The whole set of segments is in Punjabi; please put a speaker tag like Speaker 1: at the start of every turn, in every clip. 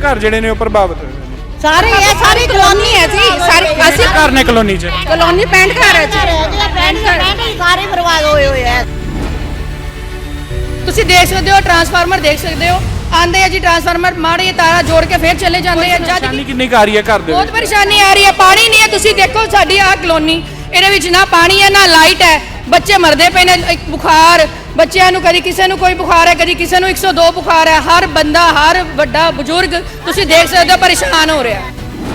Speaker 1: ਘਰ ਜਿਹੜੇ ਨੇ ਉਹ ਪ੍ਰਭਾਵਿਤ ਹੋਏ ਨੇ?
Speaker 2: ਸਾਰੇ ਇਹ ਸਾਰੀ ਕਲੋਨੀ ਹੈ ਜੀ, ਸਾਰੀ ਅਸੀਂ
Speaker 1: ਘਰ ਨੇ ਕਲੋਨੀ 'ਚ?
Speaker 2: ਕਲੋਨੀ 65 ਘਰ ਹੈ ਜੀ,
Speaker 3: ਸਾਰੇ ਬਰਬਾਦ ਹੋਏ ਹੋਏ ਆ।
Speaker 2: ਤੁਸੀਂ ਦੇਖ ਸਕਦੇ ਹੋ ਟਰਾਂਸਫਾਰਮਰ ਦੇਖ ਸਕਦੇ ਹੋ, ਆਂਦੇ ਆ ਜੀ ਟਰਾਂਸਫਾਰਮਰ ਮਾੜੇ ਤਾਰਾ ਜੋੜ ਕੇ ਫੇਰ ਚਲੇ ਜਾਂਦੇ ਆ। ਜਦ
Speaker 1: ਪਰੇਸ਼ਾਨੀ ਕਿੰਨੀ ਕੁ ਆ ਰਹੀ ਹੈ ਘਰ ਦੇ
Speaker 2: ਬਹੁਤ
Speaker 1: ਵਿੱਚ?
Speaker 2: ਪਰੇਸ਼ਾਨੀ ਆ ਰਹੀ ਹੈ, ਪਾਣੀ ਨਹੀਂ ਹੈ। ਤੁਸੀਂ ਦੇਖੋ ਸਾਡੀ ਆਹ ਕਲੋਨੀ, ਇਹਦੇ ਵਿੱਚ ਨਾ ਪਾਣੀ ਹੈ ਨਾ ਲਾਈਟ ਹੈ, ਬੱਚੇ ਮਰਦੇ ਪਏ ਨੇ। ਇੱਕ ਬੁਖਾਰ ਬੱਚਿਆਂ ਨੂੰ, ਕਦੀ ਕਿਸੇ ਨੂੰ ਕੋਈ ਬੁਖਾਰ ਹੈ, ਕਦੀ ਕਿਸੇ ਨੂੰ 102 ਬੁਖਾਰ ਹੈ। ਹਰ ਬੰਦਾ, ਹਰ ਵੱਡਾ ਬਜ਼ੁਰਗ ਤੁਸੀਂ ਦੇਖ ਸਕਦੇ ਹੋ ਪਰੇਸ਼ਾਨ ਹੋ ਰਿਹਾ।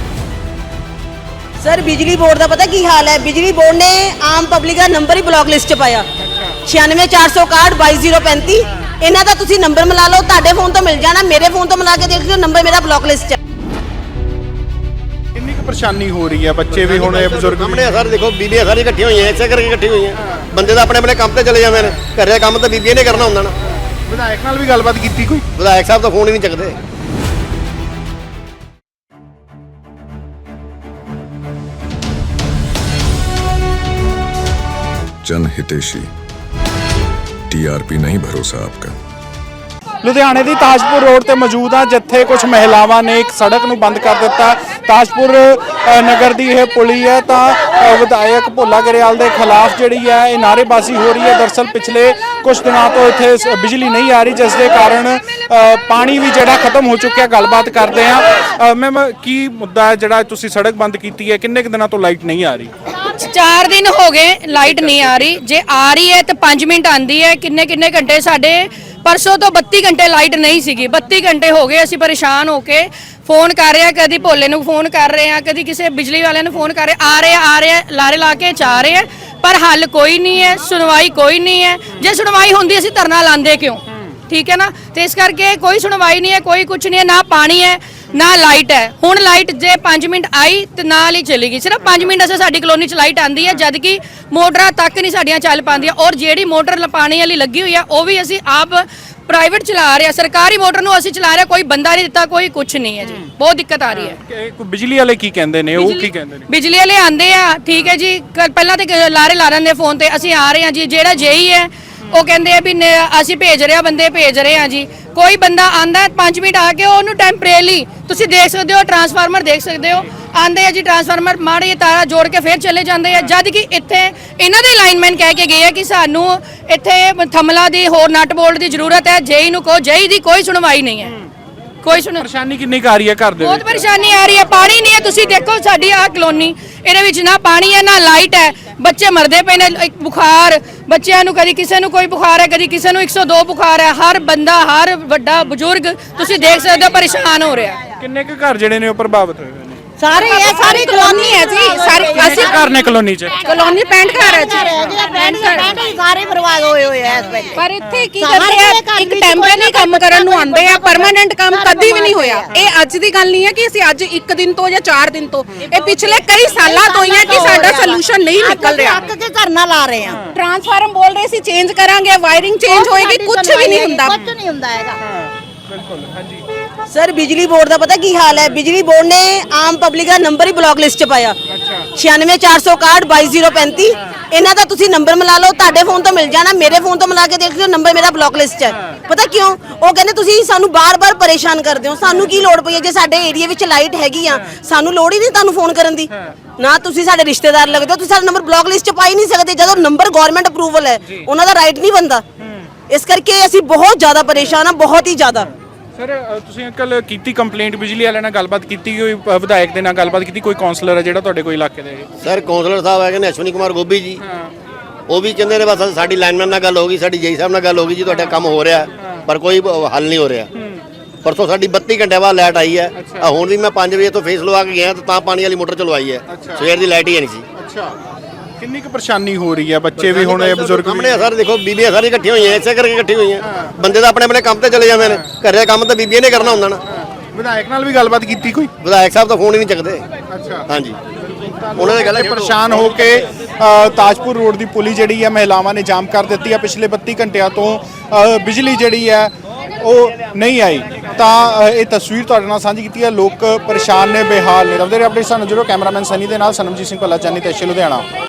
Speaker 3: ਸਰ ਬਿਜਲੀ ਬੋਰਡ ਦਾ ਪਤਾ ਕੀ ਹਾਲ ਹੈ? ਬਿਜਲੀ ਬੋਰਡ ਨੇ ਆਮ ਪਬਲਿਕ ਦਾ ਨੰਬਰ ਹੀ ਬਲੌਕ ਲਿਸਟ 'ਚ ਪਾਇਆ, 96461 22035। ਇਹਨਾਂ ਦਾ ਤੁਸੀਂ ਨੰਬਰ ਮਿਲਾ ਲਓ, ਤੁਹਾਡੇ ਫੋਨ ਤੋਂ ਮਿਲ ਜਾਣਾ, ਮੇਰੇ ਫੋਨ ਤੋਂ ਮਿਲਾ ਕੇ ਦੇਖ ਲਿਓ, ਨੰਬਰ ਮੇਰਾ ਬਲੌਕ ਲਿਸਟ 'ਚ।
Speaker 1: ਕਿੰਨੀ ਕੁ ਪਰੇਸ਼ਾਨੀ ਹੋ ਰਹੀ ਹੈ? ਬੱਚੇ ਵੀ ਹੁਣ, ਬਜ਼ੁਰਗ
Speaker 4: ਸਾਹਮਣੇ ਸਰ ਦੇਖੋ, ਬੀਬੀਆਂ ਸਾਰੀਆਂ ਇਕੱਠੀਆਂ ਹੋਈਆਂ, ਇਸੇ ਕਰਕੇ ਇਕੱਠੀ ਹੋਈਆਂ। ਬੰਦੇ ਤਾਂ ਆਪਣੇ ਆਪਣੇ ਕੰਮ ਤੇ ਚਲੇ ਜਾਂਦੇ ਨੇ, ਘਰੇ ਦਾ ਕੰਮ ਤਾਂ ਬੀਬੀਆਂ ਨੇ ਕਰਨਾ ਹੁੰਦਾ ਨਾ।
Speaker 1: ਵਿਧਾਇਕ ਨਾਲ ਵੀ ਗੱਲਬਾਤ ਕੀਤੀ ਕੋਈ?
Speaker 4: ਵਿਧਾਇਕ ਸਾਹਿਬ ਤਾਂ ਫੋਨ ਹੀ ਨਹੀਂ ਚੱਕਦੇ।
Speaker 5: जनहितेशी टीआरपी नहीं भरोसा आपका।
Speaker 1: ਲੁਧਿਆਣੇ ਦੀ ਤਾਜਪੁਰ ਰੋਡ ਤੇ ਮੌਜੂਦ ਆ, ਜਿੱਥੇ ਕੁਝ ਮਹਿਲਾਵਾਂ ਨੇ ਇੱਕ ਸੜਕ ਨੂੰ ਬੰਦ ਕਰ ਦਿੱਤਾ। ਤਾਜਪੁਰ ਨਗਰ ਦੀ ਇਹ ਪੁਲੀ ਹੈ, ਤਾਂ ਵਿਧਾਇਕ ਭੋਲਾ ਗਰੇਵਾਲ ਦੇ ਖਿਲਾਫ ਜਿਹੜੀ ਹੈ ਇਹ ਨਾਅਰੇਬਾਜ਼ੀ ਹੋ ਰਹੀ ਹੈ। ਦਰਅਸਲ ਪਿਛਲੇ ਕੁਝ ਦਿਨਾਂ ਤੋਂ ਇੱਥੇ ਬਿਜਲੀ ਨਹੀਂ ਆ ਰਹੀ, ਜਿਸ ਦੇ ਕਾਰਨ ਪਾਣੀ ਵੀ ਜਿਹੜਾ ਖਤਮ ਹੋ ਚੁੱਕਿਆ। ਗੱਲਬਾਤ ਕਰਦੇ ਆ। ਮੈਮ, ਕੀ ਮੁੱਦਾ ਹੈ ਜਿਹੜਾ ਤੁਸੀਂ ਸੜਕ ਬੰਦ ਕੀਤੀ ਹੈ? ਕਿੰਨੇ ਕੁ ਦਿਨਾਂ ਤੋਂ ਲਾਈਟ ਨਹੀਂ ਆ ਰਹੀ?
Speaker 2: 4 ਦਿਨ ਹੋ ਗਏ ਲਾਈਟ ਨਹੀਂ ਆ ਰਹੀ। ਜੇ ਆ ਰਹੀ ਹੈ ਤਾਂ 5 ਮਿੰਟ ਆਂਦੀ ਹੈ। ਕਿੰਨੇ ਘੰਟੇ ਸਾਡੇ ਪਰਸੋਂ ਤੋਂ 32 ਘੰਟੇ ਲਾਈਟ ਨਹੀਂ ਸੀਗੀ। 32 ਘੰਟੇ ਹੋ ਗਏ, ਅਸੀਂ ਪਰੇਸ਼ਾਨ ਹੋ ਕੇ ਫੋਨ ਕਰ ਰਹੇ ਆ, ਕਦੀ ਭੋਲੇ ਨੂੰ ਫੋਨ ਕਰ ਰਹੇ ਆ, ਕਦੀ ਕਿਸੇ ਬਿਜਲੀ ਵਾਲਿਆਂ ਨੂੰ ਫੋਨ ਕਰ ਰਹੇ। ਆ ਰਹੇ ਲਾਰੇ ਲਾ ਕੇ ਚਾਹ ਰਹੇ ਆ, ਪਰ ਹੱਲ ਕੋਈ ਨਹੀਂ ਹੈ, ਸੁਣਵਾਈ ਕੋਈ ਨਹੀਂ ਹੈ। ਜੇ ਸੁਣਵਾਈ ਹੁੰਦੀ ਅਸੀਂ ਧਰਨਾ ਲਾਉਂਦੇ ਕਿਉਂ? ਠੀਕ ਹੈ ਨਾ। ਤੇ ਇਸ ਕਰਕੇ ਕੋਈ ਸੁਣਵਾਈ ਨਹੀਂ ਹੈ, ਕੋਈ ਕੁਝ ਨਹੀਂ ਹੈ, ਨਾ ਪਾਣੀ ਹੈ ਨਾ ਲਾਈਟ ਹੈ। ਹੁਣ ਲਾਈਟ ਜੇ 5 ਮਿੰਟ ਆਈ ਤੇ ਨਾਲ ਹੀ ਚਲੀ ਗਈ। ਸਿਰਫ 5 ਮਿੰਟ ਅਸੇ ਸਾਡੀ ਕਲੋਨੀ 'ਚ ਲਾਈਟ ਆਂਦੀ ਹੈ, ਜਦ ਕਿ ਮੋਟਰਾਂ ਤੱਕ ਨਹੀਂ ਸਾਡੀਆਂ ਚੱਲ ਪਾਉਂਦੀਆਂ। ਔਰ ਜਿਹੜੀ ਮੋਟਰ ਪਾਣੀ ਵਾਲੀ ਲੱਗੀ ਹੋਈ ਆ ਉਹ ਵੀ ਅਸੀਂ ਆਪ ਪ੍ਰਾਈਵੇਟ ਚਲਾ ਰਹੇ ਆ। ਸਰਕਾਰੀ ਮੋਟਰ ਨੂੰ ਅਸੀਂ ਚਲਾ ਰਹੇ, ਕੋਈ ਬੰਦਾ ਨਹੀਂ ਦਿੱਤਾ, ਕੋਈ ਕੁਝ ਨਹੀਂ ਹੈ ਜੀ। ਬਹੁਤ ਦਿੱਕਤ ਆ ਰਹੀ ਹੈ।
Speaker 1: ਬਿਜਲੀ ਵਾਲੇ ਕੀ ਕਹਿੰਦੇ ਨੇ? ਉਹ ਕੀ ਕਹਿੰਦੇ ਨੇ?
Speaker 2: ਬਿਜਲੀ ਵਾਲੇ ਆਂਦੇ ਆ, ਠੀਕ ਹੈ ਜੀ, ਪਹਿਲਾਂ ਤੇ ਲਾਰੇ ਲਾ ਦਿੰਦੇ ਫੋਨ ਤੇ, ਅਸੀਂ ਆ ਰਹੇ ਹਾਂ ਜੀ। ਜਿਹੜਾ ਜੇਈ ਹੈ ਉਹ ਕਹਿੰਦੇ ਆ ਵੀ ਅਸੀਂ ਭੇਜ ਰਹੇ ਆ, ਬੰਦੇ ਭੇਜ ਰਹੇ ਆ ਜੀ। ਕੋਈ ਬੰਦਾ ਆਂਦਾ 5 ਮਿੰਟ ਆ ਕੇ ਉਹਨੂੰ ਟੈਂਪਰੇਰੀ, ਤੁਸੀਂ ਦੇਖ ਸਕਦੇ ਹੋ ਟਰਾਂਸਫਾਰਮਰ ਦੇਖ ਸਕਦੇ ਹੋ, ਆਂਦੇ ਆ ਜੀ ਟਰਾਂਸਫਾਰਮਰ ਮਾੜੇ ਤਾਰਾ ਜੋੜ ਕੇ ਫੇਰ ਚਲੇ ਜਾਂਦੇ ਆ। ਜਦ ਕਿ ਇੱਥੇ ਇਹਨਾਂ ਦੇ ਲਾਈਨਮੈਨ ਕਹਿ ਕੇ ਗਏ ਆ ਕਿ ਸਾਨੂੰ ਇੱਥੇ ਥਮਲਾ ਦੀ ਹੋਰ ਨਟ ਬੋਲਟ ਦੀ ਜ਼ਰੂਰਤ ਹੈ। ਜੇਈ ਨੂੰ ਕਹੋ, ਜੇਈ ਦੀ ਕੋਈ ਸੁਣਵਾਈ ਨਹੀਂ ਹੈ। ਕੋਈ
Speaker 1: ਪਰੇਸ਼ਾਨੀ ਕਿੰਨੀ ਕੁ ਆ ਰਹੀ ਹੈ ਘਰ ਦੇ ਵਿੱਚ?
Speaker 2: ਬਹੁਤ ਪਰੇਸ਼ਾਨੀ ਆ ਰਹੀ ਹੈ, ਪਾਣੀ ਨਹੀਂ ਹੈ। ਤੁਸੀਂ ਦੇਖੋ ਸਾਡੀ ਆਹ ਕਲੋਨੀ, ਇਹਦੇ ਵਿੱਚ ਨਾ ਪਾਣੀ ਹੈ ਨਾ ਲਾਈਟ ਹੈ, ਬੱਚੇ ਮਰਦੇ ਪਏ ਨੇ। ਇੱਕ ਬੁਖਾਰ ਬੱਚਿਆਂ ਨੂੰ, ਕਦੀ ਕਿਸੇ ਨੂੰ ਕੋਈ ਬੁਖਾਰ ਹੈ, ਕਦੀ ਕਿਸੇ ਨੂੰ 102 ਬੁਖਾਰ ਹੈ। ਹਰ ਬੰਦਾ, ਹਰ ਵੱਡਾ ਬਜ਼ੁਰਗ ਤੁਸੀਂ ਦੇਖ ਸਕਦੇ ਹੋ ਪਰੇਸ਼ਾਨ ਹੋ ਰਿਹਾ।
Speaker 1: ਕਿੰਨੇ ਕੁ ਘਰ ਜਿਹੜੇ ਨੇ ਉਹ ਪ੍ਰਭਾਵਿਤ ਹੋਏ ਨੇ?
Speaker 2: ਸਾਰੇ ਇਹ ਸਾਰੀ ਕਲੋਨੀ ਹੈ ਜੀ, ਸਾਰੀ ਅਸੀਂ
Speaker 1: ਘਰ ਨੇ ਕਲੋਨੀ 'ਚ?
Speaker 2: ਕਲੋਨੀ 65 ਘਰ ਹੈ ਜੀ,
Speaker 3: ਸਾਰੇ ਬਰਬਾਦ ਹੋਏ ਹੋਏ ਆ ਇਸ ਵੇਲੇ।
Speaker 6: ਪਰ ਇੱਥੇ ਕੀ ਕਰਦੇ ਆ, ਇੱਕ ਟੈਂਪਰੇਰੀ ਕੰਮ ਕਰਨ ਨੂੰ ਆਉਂਦੇ ਆ, ਪਰਮਾਨੈਂਟ ਕੰਮ ਕਦੀ ਵੀ ਨਹੀਂ ਹੋਇਆ। ਇਹ ਅੱਜ ਦੀ ਗੱਲ ਨਹੀਂ ਹੈ ਕਿ ਅਸੀਂ ਅੱਜ 1 ਦਿਨ ਤੋਂ ਜਾਂ 4 ਦਿਨ ਤੋਂ, ਇਹ ਪਿਛਲੇ ਕਈ ਸਾਲਾਂ ਤੋਂ ਹੀ ਹੈ ਕਿ ਸਾਡਾ ਸੋਲੂਸ਼ਨ ਨਹੀਂ ਨਿਕਲ ਰਿਹਾ।
Speaker 3: ਅੱਕ ਕੇ ਧਰਨਾ ਲਾ ਰਹੇ ਆ।
Speaker 6: ਟਰਾਂਸਫਾਰਮ ਬੋਲ ਰਹੇ ਸੀ ਚੇਂਜ ਕਰਾਂਗੇ, ਵਾਇਰਿੰਗ ਚੇਂਜ ਹੋਏਗੀ, ਕੁਝ ਵੀ ਨਹੀਂ ਹੁੰਦਾ।
Speaker 3: ਕੁਝ ਨਹੀਂ ਹੁੰਦਾ ਹੈਗਾ।
Speaker 1: ਬਿਲਕੁਲ, ਹਾਂਜੀ।
Speaker 3: ਸਰ ਬਿਜਲੀ ਬੋਰਡ ਦਾ ਪਤਾ ਕੀ ਹਾਲ ਹੈ? ਬਿਜਲੀ ਬੋਰਡ ਨੇ ਆਮ ਪਬਲਿਕ ਦਾ ਨੰਬਰ ਹੀ ਬਲੌਕ ਲਿਸਟ 'ਚ ਪਾਇਆ, 96461 22035। ਇਹਨਾਂ ਦਾ ਤੁਸੀਂ ਨੰਬਰ ਮਿਲਾ ਲਓ, ਤੁਹਾਡੇ ਫੋਨ ਤੋਂ ਮਿਲ ਜਾਣਾ, ਮੇਰੇ ਫੋਨ ਤੋਂ ਮਿਲਾ ਕੇ ਦੇਖ ਲਿਓ, ਨੰਬਰ ਮੇਰਾ ਬਲੌਕ ਲਿਸਟ 'ਚ ਹੈ। ਪਤਾ ਕਿਉਂ? ਉਹ ਕਹਿੰਦੇ ਤੁਸੀਂ ਸਾਨੂੰ ਬਾਰ-ਬਾਰ ਪਰੇਸ਼ਾਨ ਕਰਦੇ ਹੋ। ਸਾਨੂੰ ਕੀ ਲੋੜ ਪਈ ਹੈ? ਜੇ ਸਾਡੇ ਏਰੀਆ ਵਿੱਚ ਲਾਈਟ ਹੈਗੀ ਆ, ਸਾਨੂੰ ਲੋੜ ਹੀ ਨਹੀਂ ਤੁਹਾਨੂੰ ਫੋਨ ਕਰਨ ਦੀ। ਨਾ ਤੁਸੀਂ ਸਾਡੇ ਰਿਸ਼ਤੇਦਾਰ ਲੱਗਦੇ ਹੋ, ਤੁਸੀਂ ਸਾਡਾ ਨੰਬਰ ਬਲੌਕ ਲਿਸਟ 'ਚ ਪਾ ਹੀ ਨਹੀਂ ਸਕਦੇ ਜਦੋਂ ਨੰਬਰ ਗਵਰਨਮੈਂਟ ਅਪਰੂਵਲ ਹੈ। ਉਹਨਾਂ ਦਾ ਰਾਈਟ ਨਹੀਂ ਬਣਦਾ। ਇਸ ਕਰਕੇ ਅਸੀਂ ਬਹੁਤ ਜ਼ਿਆਦਾ ਪਰੇਸ਼ਾਨ ਆ, ਬਹੁਤ ਹੀ ਜ਼ਿਆਦਾ।
Speaker 1: ਸਰ, ਤੁਸੀਂ ਕੱਲ ਕੀਤੀ ਕੰਪਲੇਂਟ, ਬਿਜਲੀ ਵਾਲਿਆਂ ਨਾਲ ਗੱਲਬਾਤ ਕੀਤੀ, ਕੋਈ ਵਿਧਾਇਕ ਦੇ ਨਾਲ ਗੱਲਬਾਤ ਕੀਤੀ, ਕੋਈ ਕਾਉਂਸਲਰ ਹੈ ਜਿਹੜਾ ਤੁਹਾਡੇ ਕੋਈ ਇਲਾਕੇ ਦੇ?
Speaker 4: ਸਰ ਕਾਉਂਸਲਰ ਸਾਹਿਬ ਹੈਗੇ ਨੇ ਅਸ਼ਵਨੀ ਕੁਮਾਰ ਗੋਬੀ ਜੀ, ਉਹ ਵੀ ਕਹਿੰਦੇ ਨੇ ਬਸ ਸਾਡੀ ਲਾਈਨਮੈਨ ਨਾਲ ਗੱਲ ਹੋ ਗਈ, ਸਾਡੀ ਜੇਈ ਸਾਹਿਬ ਨਾਲ ਗੱਲ ਹੋ ਗਈ ਜੀ, ਤੁਹਾਡਾ ਕੰਮ ਹੋ ਰਿਹਾ, ਪਰ ਕੋਈ ਹੱਲ ਨਹੀਂ ਹੋ ਰਿਹਾ। ਪਰਸੋਂ ਸਾਡੀ 32 ਘੰਟੇ ਬਾਅਦ ਲਾਈਟ ਆਈ ਹੈ। ਹੁਣ ਵੀ ਮੈਂ 5 ਵਜੇ ਤੋਂ ਫੇਸ ਲਵਾ ਕੇ ਗਿਆ ਤਾਂ ਪਾਣੀ ਵਾਲੀ ਮੋਟਰ ਚਲਵਾਈ ਹੈ। ਸਵੇਰ ਦੀ ਲਾਈਟ ਹੀ ਨਹੀਂ ਸੀ।
Speaker 1: ਅੱਛਾ, ਕਿੰਨੀ ਕੁ ਪਰੇਸ਼ਾਨੀ ਹੋ ਰਹੀ ਹੈ? ਬੱਚੇ ਵੀ ਹੁਣ, ਬਜ਼ੁਰਗ
Speaker 4: ਸਾਹਮਣੇ ਸਰ ਦੇਖੋ, ਬੀਬੀਆਂ ਸਾਰੀਆਂ ਇਕੱਠੀਆਂ ਹੋਈਆਂ, ਇਸੇ ਕਰਕੇ ਇਕੱਠੀ ਹੋਈਆਂ। ਬੰਦੇ ਤਾਂ ਆਪਣੇ ਆਪਣੇ ਕੰਮ ਤੇ ਚਲੇ ਜਾਂਦੇ ਨੇ, ਘਰੇ ਦਾ ਕੰਮ ਤਾਂ ਬੀਬੀਆਂ ਨੇ ਕਰਨਾ ਹੁੰਦਾ ਨਾ।
Speaker 1: ਵਿਧਾਇਕ ਨਾਲ ਵੀ ਗੱਲਬਾਤ ਕੀਤੀ ਕੋਈ?
Speaker 4: ਵਿਧਾਇਕ ਸਾਹਿਬ ਤਾਂ ਫੋਨ ਹੀ ਨਹੀਂ ਚੱਕਦੇ।
Speaker 1: ਅੱਛਾ,
Speaker 4: ਹਾਂਜੀ, ਉਹਨਾਂ ਨੇ ਗੱਲ
Speaker 1: ਪਰੇਸ਼ਾਨ ਹੋ ਕੇ ਤਾਜਪੁਰ ਰੋਡ ਦੀ ਪੁਲੀ ਜਿਹੜੀ ਹੈ ਮਹਿਲਾਵਾਂ ਨੇ ਜਾਮ ਕਰ ਦਿੱਤੀ ਹੈ। ਪਿਛਲੇ 32 ਘੰਟਿਆਂ ਤੋਂ ਬਿਜਲੀ ਜਿਹੜੀ ਹੈ ਉਹ ਨਹੀਂ ਆਈ। ਤਾਂ ਇਹ ਤਸਵੀਰ ਤੁਹਾਡੇ ਨਾਲ ਸਾਂਝੀ ਕੀਤੀ ਹੈ। ਲੋਕ ਪਰੇਸ਼ਾਨ ਨੇ, ਬੇਹਾਲ ਨੇ। ਰਵਦੇ ਅਪਡੇਟ ਸਾਨੂੰ ਜਰੂਰ। ਕੈਮਰਾਮੈਨ ਸਨੀ ਦੇ ਨਾਲ ਸਨਮਜੀਤ ਸਿੰਘ ਭੱਲਾ, ਚੰਨੀ ਤੇ ਲੁਧਿਆਣਾ।